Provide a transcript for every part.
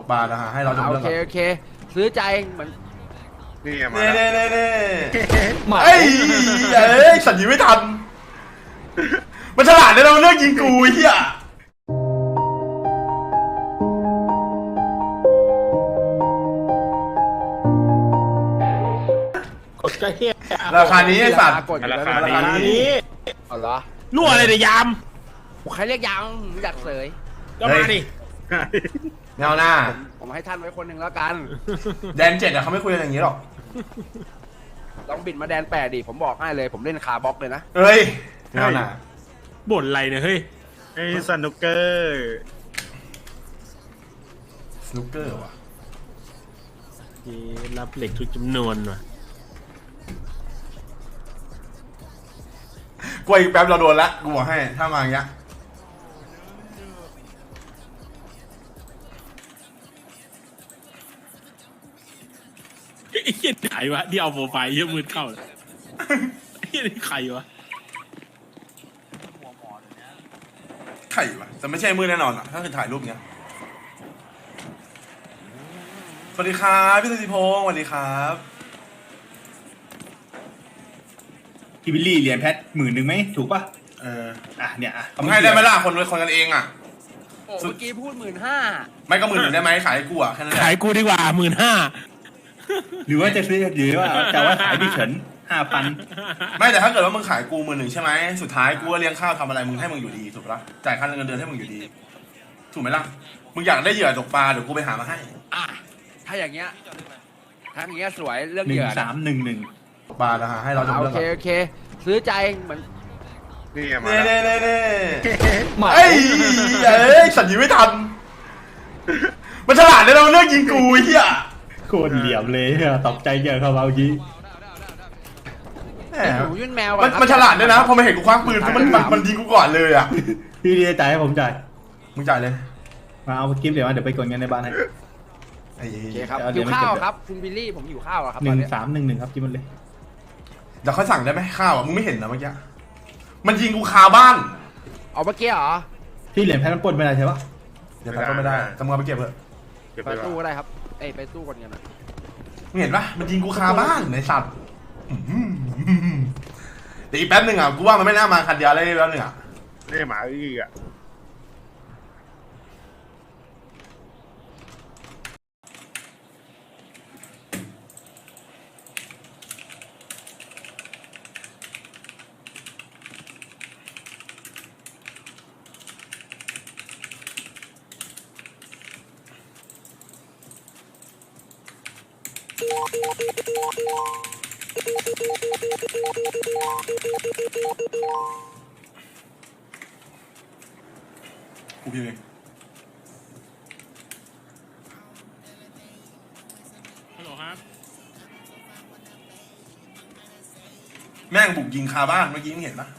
ปลานะฮะให้เราจบโอเรื่องเคก่อนโอเคซื้อใจเหมือนนี่ไงมาเน่แล้วเน่เน่เอ้ยสัญญีไม่ทันมันฉลาดเลยเราเลือกยิงกูไอ้เหี้ยกดก็เฮียราคานี้ไอ้สัตว์กดอยู่ราแล้วคาอันนี้นี้เอาเหรอรั่วอะไรเนี่ยยามใครเรียกยังอยากเสยก็มาดิแนวหน้าผมให้ท่านไว้คนหนึ่งแล้วกันแดน7อะเขาไม่คุยกันอย่างนี้หรอกลองบิดมาแดน8ดิผมบอกให้เลยผมเล่นคาร์บ็อกเลยนะเอ้ยแนวหน้าบ่นอะไรเนี่ยเฮ้ยไอ้สนุกเกอร์สนุกเกอร์ว่ะรับเหล็กทุกจำนวนว่ะกูอีกแป๊บเราโดนละกูบอกให้ถ้ามาอย่างเงี้ยไอ้เหี้ยไหนวะที่เอาโปรไฟล์เหี้ยมืดเข้าเลยไอ้เหี้ยนี่ใครวะไข่วะแต่ไม่ใช่มือแน่นอนอะถ้าคือถ่ายรูปเงี้ยสวัสดีครับพี่สุธิพงศ์สวัสดีครับพี่บิลลี่เหรียญแพท10,000ไหมถูกป่ะเออเนี่ยเขามึงให้ได้ไหมล่ะคนกันเองอะโอ้เมื่อกี้พูด15,000 ไม่ก็10,000ได้ไหมขายให้กูอะแค่นั้นแหละขายกูดีกว่า15,000 หรือว่าจะซื้อหรือว่าจะว่าขายพี่เฉิน5,000 ไม่แต่ถ้าเกิดว่ามึงขายกู10,000ใช่ไหมสุดท้ายกูก็เลี้ยงข้าวทำอะไรมึงให้มึงอยู่ดีถูกปะจ่ายค่าเงินเดือนให้มึงอยู่ดีถูกไหมล่ะมึงอยากได้เหยื่อตกปลาเดี๋ยวกูไปหามาให้อ่ะถ้าอย่างเงี้ยสวยเรื่องเหยื่อนะ 1311 ตกปลานะฮะให้เราจบโอเรื่องเคก่อนโอเคซื้อใจเหมือนนี่ไงมาเน่แล้วเน่เน่เอ้ยสัญญีไม่ทันมันฉลาดเลยเราเลือกยิงกูไอ้เหี้ยโคตรเหลี่ยมเลยตกใจเยอะเขาเอายี้แหไอ้หมนูยื่นแมวมันฉลาดด้วยนะพอมันเห็นกูคว้างปืนมันยิงกูก่อนเลยอะพี่เรียจ่ายให้ผมจ่ายมึงจ่ายเลยมาเอากิฟต์เดี๋ยวมาเดี๋ยวไปกดเงินในบ้านให้ไอ้โอเคครับเดี๋หิยว วข้าวไม่เก็บครับคุณบิลลี่ผมหิวข้าวอะครับหตนึ่อนงเนี้ยสามหนึ่งหนึ่งครับกิฟต์มันเลยเดี๋ยวค่อยสั่งได้ไหมข้าวอะมึงไม่เห็นนะเมื่อกี้มันยิงกูคาบ้านเอาเมื่อกี้เหรอพี่เหรียญแพทมันปล้นไม่ได้ใช่ปะเดี๋ยวก็ไม่ได้แต่มึงเอาไปเก็บเถอะเก็บไปไปตู้ว่าก็ได้ครับเอ้ยไปตู้ก่อนกันนะมึงเห็นปะมันยิงกูคาบ้านในสัตว์เดี๋ยวอีกแป๊บหนึ่งอ่ะกูว่ามันไม่น่ามาคันเดียวเลยแป๊บหนึ่งอ่ะนี่หมาอีกอ่ะกูพิมพ์เองฮัลโหลครับแม่งบุกยิงคาบ้านเมื่อกี้มึงเห็นปะ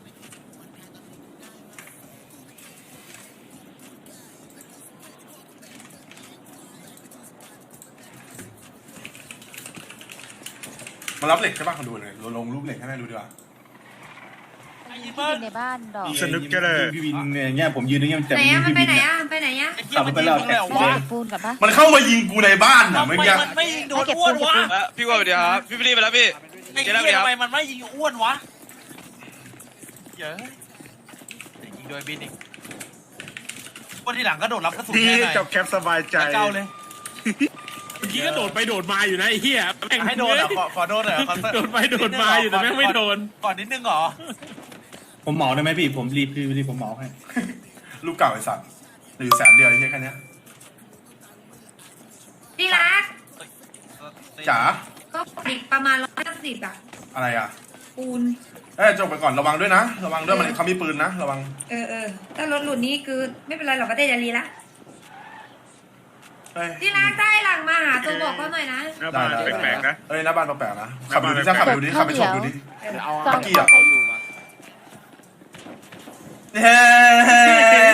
มารับเหล็กใช่ปะขอดูเลยเราลงรูปเหล็กให้แม่ดูดีกว่าที่อยู่ในบ้านดอกสนุกเกอร์พี่วินเนี่ยผมยืนตรงนี้มันจะไหนมีอะมันพี่ไปวินไหนเนี่ยอะมันไปไหนอะขับไปแล้วแท็กได้ซี่เก็บปูนกับปะมันเข้ามายิงกูในบ้านอ่ะเมื่อกี้มันไม่ยิงโดได้นเก็บอ้ปูวน นเก็บวะปูนพี่ว่าไปเดี๋ยวครับพี่ฟรีไปแล้วพี่ไอ้เดี๋เหี้ ยวย แล้วทำไมเดี๋ยวมันไม่ยิงอ้วนวะเยอะยิงโดยบินอีกวันที่หลังก็โดดรับกระสุนพี่แค่ไหนจบแคปสบายใจเก้าเลยเมื่อกี้ก็โดดไปโดดมาอยู่นะไอ้เหี้ยแม่งให้โดนอ่ะขอโดนหน่อยโดดไปโดดมาอยู่แต่แม่งไม่โดนก่อนนิดนึงเหรอผมเหมาได้ไหมพี่ผมรีบพี่ผมเหมาให้รูปเก่าไอ้สัตว์หรือแสนเดียวไอ้เหี้ยแค่เนี้ยที่รักจ๋าก็อีกประมาณ150อะอะไรอ่ะปูนจบไปก่อนระวังด้วยนะระวังด้วยมันเขามีปืนนะระวังถ้ารถหลุดนี้คือไม่เป็นไรหรอกก็ได้จะรีละเอ้ยที่รักได้หลังมาหาตัวบอกเขาหน่อยนะหน้าบ้านแปลกๆนะเอ้ยหน้าบ้านแปลกๆนะขับไปดูดิถ้าขับไปดูดิขับไปชมดูดิเอาตอนเมื่อกี้อะเอาอยู่มาเฮ้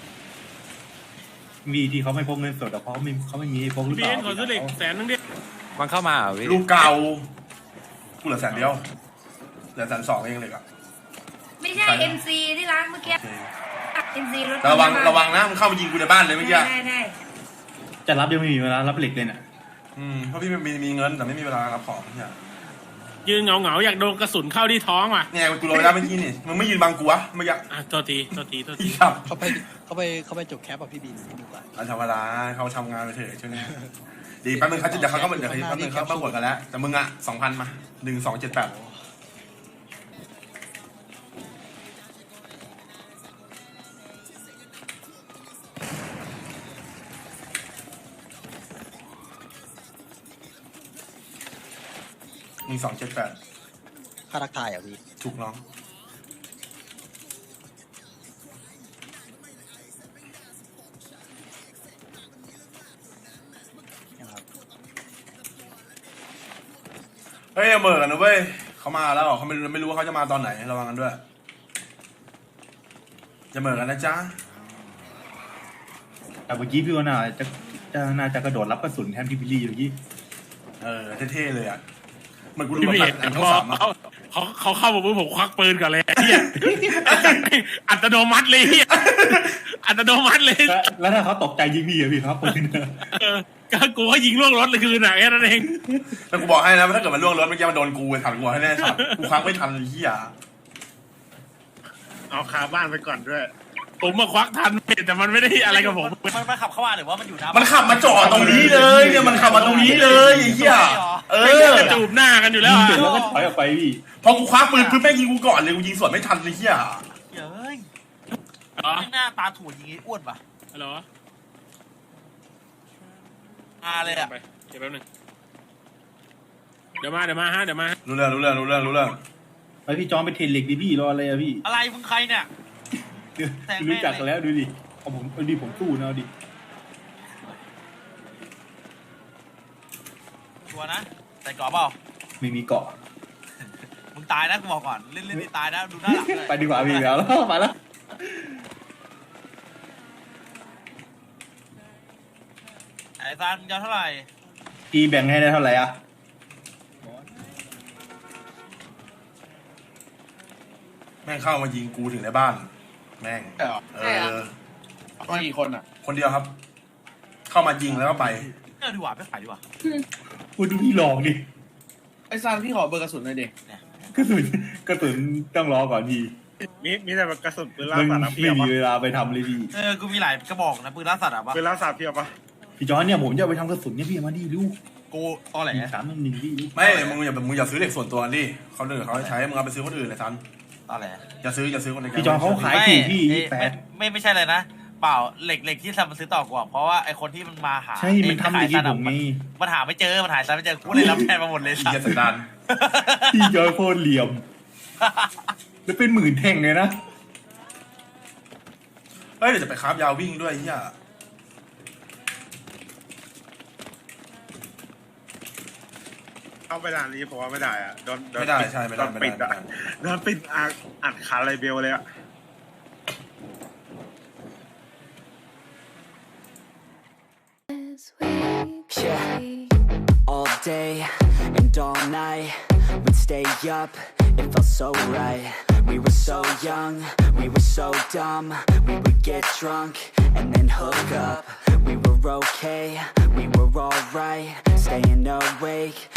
มีที่เขาไม่พกเงินสดแต่เขาไม่มีพกหรือเปพี่ล่าเอ็นขอซื้อเหล็ก100,000นึงดิมันเข้ามาเหรอพี่ลูกเก่ากูเหลือ100,000เหลือ120,000เองเลยอะไม่ใช่ MC ที่ร้านเมื่อกี้ MC รถระวังนะมึงเข้ามายิงกูในบ้านเลยเมื่อกี้ได้จะรับยังไม่มีเวลารับเหล็กเลยน่ะเพราะพี่มีเงินแต่ไม่มีเวลารับของเนี่ยยืนเหงาๆอยากโดนกระสุนเข้าที่ท้องว่ะเนี่ยกูโดนไปแล้วเมื่อกี้นี่มึงไม่ยืนบังกูวะเมื่อกี้โทษทีอีครับเขาไปจบแคปกับพี่บินดีกว่าธรรมดาเขาทำงานไปเถอะช่วงนี้ดีแป๊บนึงเขาจะเดี๋ยวเขาก็เดี๋ยวแป๊บนึงเขามาบวกกันแล้วแต่มึงอ่ะ2,000มา12781278 ค่าทักทายอ่ะพี่ถูกน้องนะครับเฮ้ยเหม่อกันนะเว้ยเขามาแล้วเขาไม่รู้ว่าเขาจะมาตอนไหนระวังกันด้วยจะเหม่อกันนะจ๊ะแต่เมื่อกี้พี่ว่าน่าจะกระโดดรับกระสุนแทนพี่บิลลี่เมื่อกี้เท่ๆเลยอ่ะเหมือนกูดูพี่แบบเมหนัย์งช่องสามอะเขาเข้ามาปุ๊บผมควักปืนก่อนเลยเฮียอัตโนมัติเลยเฮียอัตโนมัติเลยแล้วถ้าเขาตกใจยิงพี่อะพี่ครับปืนก็กูก็ยิงล่วงรถเลยคืนน่ะแค่นั้นเองแต่กูบอกให้นะถ้าเกิดมันล่วงรถเมื่อกี้มันโดนกูทันกูให้แน่ชัดกูควักไม่ทันเหี้ยเอาคาบ้านไปก่อนด้วยผมมาควักทันแต่มันไม่ได้อะไรกับผมมันขับเข้ามาหรือว่ามันอยู่หน้ามันขับมาจอดตรงนี้เลยเนี่ยมันขับมาตรงนี้เลยไอ้เหี้ยจะจูบหน้ากันอยู่แล้วยิงเสร็จแล้วก็ถอยออกไปพี่พอกูคว้าปืนปุ๊บแม่งยิงกูก่อนเลยกูยิงสวนไม่ทันเลยเหี้ยเฮ้ยไม่หน้าตาถั่วยิงไอ้อ้วนป่ะฮัลโหลเลยอ่ะไปเดี๋ยวแป๊บนึงเดี๋ยวมาฮะเดี๋ยวมารู้เรื่องไปพี่จอมไปเทรนเหล็กดิพี่รออะไรอะพี่อะไรมึงใครเนี่ย แทงแม่งเลยรู้จักกันแล้วดูดิเอาผมผมสู้นะเอาดิชัวร์นะใส่กรอบเปล่าไม่มีเกาะมึงตายนะกูบอกก่อนเล่นนี่ตายนะดูหน้าหลังเลยไปดีกว่าพี่แล้วมาแล้วไอ้ซานมึงจะเท่าไหร่พี่แบ่งให้ได้เท่าไหร่อะแม่งเข้ามายิงกูถึงในบ้านแม่งมากี่คนอ่ะคนเดียวครับ เข้ามายิงแล้วก็ไปดีกว่าไม่ขายดีกว่าพูดดูพี่ลองดิไอ้ซานพี่ขอเบอร์กระสุนหน่อยดิกระสุนต้องรอก่อนพี่มีแต่กระสุนปืนล่ามันสัตว์อะเพีไม่ยบมีปะเวลาไปทำเลยพี่กูมีหลายกระบอกนะปืนล่าสัตว์อ่ะปะปืนล่าสัตว์เพียบปะพี่จอนเนี่ยผมจะเอาไปทำกระสุนเนี่ยพี่เอามาดิลูกกูตอแหล 1-3-1พี่ไม่มึงอย่าซื้อเหล็กส่วนตัวดิเขาเดือเขาใช้มึงเอาไปซื้อคนอื่นเลยซันตอแหลอย่าซื้อคนในแก๊งพี่จอนเขาขายถูกพี่8 ไม่ใช่เลยนะเปล่าเหล็กที่ทำมันซื้อต่อกว่าเพราะว่าไอคนที่มันมาหาใช่มันทำอย่างนี้ผมไงมันหาไม่เจอมันหาซันไม่เจอกูเลยรับแทนมาหมดเลยอีสัตเหี้ยว์สันดานพี่จอนโคตรเหลี่ยมแล้วเป็น10,000แท่งเลยนะเฮ้ยเดี๋ยวจะไปคราฟยาววิ่งด้วยเหี้ยเข้าไปด่านนี้ผมว่าไม่ได้อะโดนไม่ได้ใช่ไม่ได้โดนปิดอะโดนปิดอัดขาไรเบลเลยอะ Yeah, all day and all night, we'd stay up, it felt so right. We were so young, we were so dumb, we would get drunk and then hook up. We were okay, we were alright, staying awake